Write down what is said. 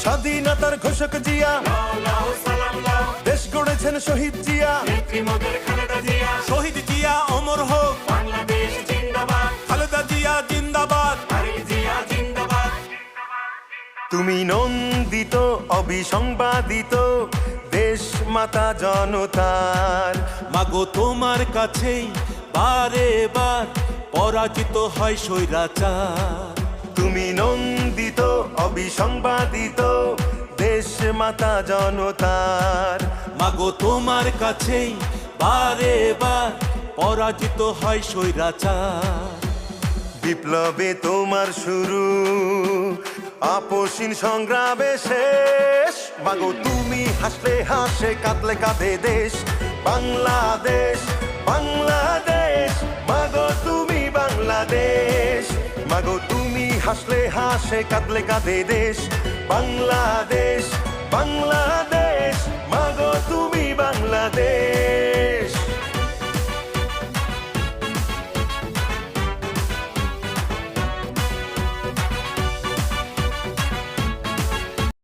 স্বাধীনতার ঘোষক জিয়া, দেশ গড়েছেন শহীদ জিয়া, শহীদ জিয়া অমর হোক, খালেদা জিয়া জিন্দাবাদ। তুমি নন্দিত অবিসংবাদিত দেশ মাতা জনতার। মাগো তোমার কাছেই বারে বার পরাজিত হয় স্বৈরাচার। তুমি নন্দিত অবিসংবাদিত দেশ মাতা জনতার। মাগো তোমার কাছেই বারে বার পরাজিত হয় স্বৈরাচার। বিপ্লবে তোমার শুরু, আপসীন সংগ্রামে শেষ। মাগো তুমি হাসলে হাসে, কাঁদলে কাঁদে দেশ বাংলাদেশ, বাংলাদেশ। মাগো তুমি বাংলাদেশ, মাগো তুমি হাসলে হাসে, কাঁদলে কাঁদে দেশ বাংলাদেশ।